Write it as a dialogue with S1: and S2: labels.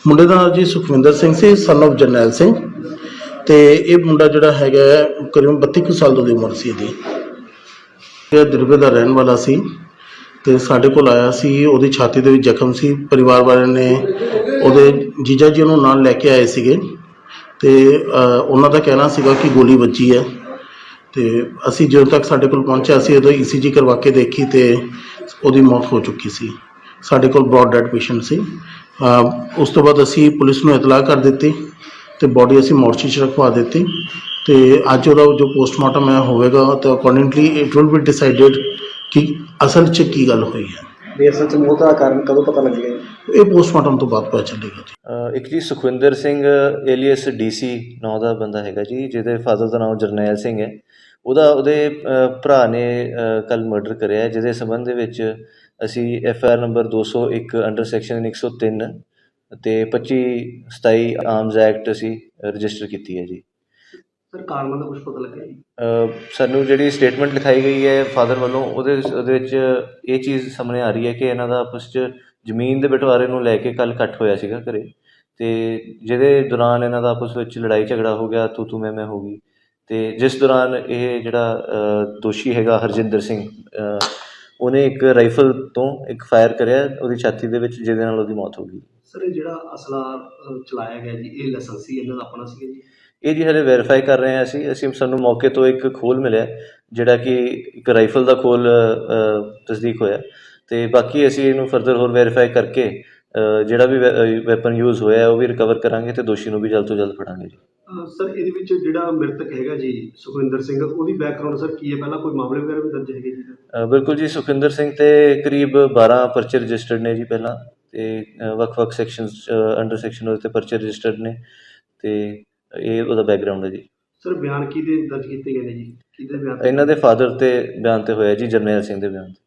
S1: ਮੁੰਡੇ ਦਾ ਨਾਂ ਜੀ ਸੁਖਵਿੰਦਰ ਸਿੰਘ ਸੀ, ਸਨ ਆਫ ਜਰਨੈਲ ਸਿੰਘ। ਤੇ ਇਹ ਮੁੰਡਾ ਜਿਹੜਾ ਹੈਗਾ ਕਰੀਬਨ 32 ਕੁ ਸਾਲ ਦੀ ਉਮਰ ਸੀ ਇਹਦੀ। ਇਹ ਦੁਰਗੇ ਦਾ ਰਹਿਣ ਵਾਲਾ ਸੀ ਤੇ ਸਾਡੇ ਕੋਲ ਆਇਆ ਸੀ। ਉਹਦੀ ਛਾਤੀ ਦੇ ਵਿੱਚ ਜ਼ਖਮ ਸੀ। ਪਰਿਵਾਰ ਵਾਲਿਆਂ ਨੇ ਉਹਦੇ ਜੀਜਾ ਜੀ ਉਹਨੂੰ ਨਾਲ ਲੈ ਕੇ ਆਏ ਸੀਗੇ ਤੇ ਉਹਨਾਂ ਦਾ ਕਹਿਣਾ ਸੀਗਾ ਕਿ ਗੋਲੀ ਵੱਜੀ ਹੈ। ਤੇ ਅਸੀਂ ਜਦੋਂ ਤੱਕ ਸਾਡੇ ਕੋਲ ਪਹੁੰਚਿਆ ਸੀ ਉਦੋਂ ECG ਕਰਵਾ ਕੇ ਦੇਖੀ ਤੇ ਉਹਦੀ ਮੌਤ ਹੋ ਚੁੱਕੀ ਸੀ। ਸਾਡੇ ਕੋਲ ਬ੍ਰੌਡ ਡੈਡ ਪੇਸ਼ੈਂਟ ਸੀ। ਉਸ ਤੋਂ ਬਾਅਦ ਅਸੀਂ ਪੁਲਿਸ ਨੂੰ ਇਤਲਾਹ ਕਰ ਦਿੱਤੀ ਤੇ ਬੋਡੀ ਅਸੀਂ ਮੋਰਚੀ 'ਚ ਰਖਵਾ ਦਿੱਤੀ ਤੇ ਅੱਜ ਉਹਦਾ ਜੋ ਪੋਸਟਮਾਰਟਮ ਹੈ ਹੋਵੇਗਾ ਤਾਂ accordingly it will be decided ਕਿ ਅਸਲ 'ਚ ਕੀ ਗੱਲ ਹੋਈ ਹੈ।
S2: ਵੀ ਅਸਲ 'ਚ ਮੌਤ ਦਾ ਕਾਰਨ ਕਦੋਂ ਪਤਾ ਲੱਗੇਗਾ?
S1: ਇਹ ਪੋਸਟਮਾਰਟਮ ਤੋਂ ਬਾਅਦ ਪਤਾ ਚੱਲੇਗਾ ਜੀ।
S3: ਇੱਕ ਜੀ ਸੁਖਵਿੰਦਰ ਸਿੰਘ ਏਲੀਅਸ DC ਨਾਂ ਦਾ ਬੰਦਾ ਹੈਗਾ ਜੀ, ਜਿਹਦੇ ਫਾਦਰ ਦਾ ਨਾਮ ਜਰਨੈਲ ਸਿੰਘ ਹੈ। ਉਹਦੇ ਭਰਾ ਨੇ ਕੱਲ੍ਹ ਮਰਡਰ ਕਰਿਆ ਹੈ, ਜਿਹਦੇ ਸੰਬੰਧ ਦੇ ਵਿੱਚ ਅਸੀਂ FIR ਨੰਬਰ 201 ਅੰਡਰ ਸੈਕਸ਼ਨ 103 ਅਤੇ 25/27 ਆਰਮਜ਼ ਐਕਟ ਅਸੀਂ ਰਜਿਸਟਰ ਕੀਤੀ ਹੈ ਜੀ।
S2: ਸਰ ਕਾਰਨਾਂ ਦਾ ਕੁਝ ਪਤਾ ਲੱਗਿਆ ਜੀ?
S3: ਸਾਨੂੰ ਜਿਹੜੀ ਸਟੇਟਮੈਂਟ ਲਿਖਾਈ ਗਈ ਹੈ ਫਾਦਰ ਵੱਲੋਂ ਉਹਦੇ ਵਿੱਚ ਇਹ ਚੀਜ਼ ਸਾਹਮਣੇ ਆ ਰਹੀ ਹੈ ਕਿ ਇਹਨਾਂ ਦਾ ਆਪਸ 'ਚ ਜ਼ਮੀਨ ਦੇ ਬਟਵਾਰੇ ਨੂੰ ਲੈ ਕੇ ਕੱਲ੍ਹ ਇਕੱਠ ਹੋਇਆ ਸੀਗਾ ਘਰੇ, ਅਤੇ ਜਿਹਦੇ ਦੌਰਾਨ ਇਹਨਾਂ ਦਾ ਆਪਸ ਵਿੱਚ ਲੜਾਈ ਝਗੜਾ ਹੋ ਗਿਆ, ਤੂੰ ਮੈਂ ਹੋ ਗਈ। ਅਤੇ ਜਿਸ ਦੌਰਾਨ ਇਹ ਜਿਹੜਾ ਦੋਸ਼ੀ ਹੈਗਾ ਹਰਜਿੰਦਰ ਸਿੰਘ, ਉਹਨੇ ਇੱਕ ਰਾਈਫਲ ਤੋਂ ਇੱਕ ਫਾਇਰ ਕਰਿਆ ਉਹਦੀ ਛਾਤੀ ਦੇ ਵਿੱਚ, ਜਿਹਦੇ ਨਾਲ ਉਹਦੀ ਮੌਤ ਹੋ ਗਈ।
S2: ਸਰ ਇਹ ਜਿਹੜਾ ਅਸਲਾ ਚਲਾਇਆ ਗਿਆ ਜੀ, ਇਹ ਲਾਇਸੈਂਸੀ ਇਹਨਾਂ ਦਾ ਆਪਣਾ ਸੀਗਾ ਜੀ?
S3: ਇਹ ਜੀ ਹਲੇ ਵੈਰੀਫਾਈ ਕਰ ਰਹੇ ਹਾਂ ਅਸੀਂ ਸਾਨੂੰ ਮੌਕੇ ਤੋਂ ਇੱਕ ਖੋਲ ਮਿਲਿਆ ਜਿਹੜਾ ਕਿ ਇੱਕ ਰਾਈਫਲ ਦਾ ਖੋਲ ਤਸਦੀਕ ਹੋਇਆ, ਅਤੇ ਬਾਕੀ ਅਸੀਂ ਇਹਨੂੰ ਫਰਦਰ ਹੋਰ ਵੈਰੀਫਾਈ ਕਰਕੇ ਜਿਹੜਾ ਵੀ ਵੈਪਨ ਯੂਜ਼ ਹੋਇਆ ਉਹ ਵੀ ਰਿਕਵਰ ਕਰਾਂਗੇ ਅਤੇ ਦੋਸ਼ੀ ਨੂੰ ਵੀ ਜਲਦ ਤੋਂ ਜਲਦ ਫੜਾਂਗੇ ਜੀ।
S2: ਸਰ ਇਹਦੇ ਵਿੱਚ ਜਿਹੜਾ ਮ੍ਰਿਤਕ ਹੈਗਾ ਜੀ ਸੁਖਵਿੰਦਰ ਸਿੰਘ, ਉਹਦੀ ਬੈਕਗਰਾਊਂਡ ਸਰ ਕੀ ਹੈ? ਪਹਿਲਾਂ ਕੋਈ ਮਾਮਲੇ ਵਗੈਰਾ ਵੀ ਦਰਜ ਹੈਗੇ ਜੀ? ਬਿਲਕੁਲ
S3: ਜੀ, ਸੁਖਵਿੰਦਰ ਸਿੰਘ 'ਤੇ ਕਰੀਬ 12 ਪਰਚੇ ਰਜਿਸਟਰਡ ਨੇ ਜੀ ਪਹਿਲਾਂ, ਅਤੇ ਵੱਖ-ਵੱਖ ਸੈਕਸ਼ਨਸ ਅੰਡਰ ਸੈਕਸ਼ਨ ਉਹਦੇ 'ਤੇ ਪਰਚੇ ਰਜਿਸਟਰਡ ਨੇ, ਅਤੇ ਇਹ ਉਹਦਾ ਬੈਕਗਰਾਊਂਡ ਹੈ ਜੀ।
S2: ਸਰ ਬਿਆਨ ਕਿਹਦੇ ਦਰਜ ਕੀਤੇ ਗਏ ਨੇ ਜੀ? ਕਿਹਦੇ ਬਿਆਨ?
S3: ਇਹਨਾਂ ਦੇ ਫਾਦਰ 'ਤੇ ਬਿਆਨ 'ਤੇ ਹੋਇਆ ਜੀ, ਜਰਨੈਲ ਸਿੰਘ ਦੇ ਬਿਆਨ 'ਤੇ।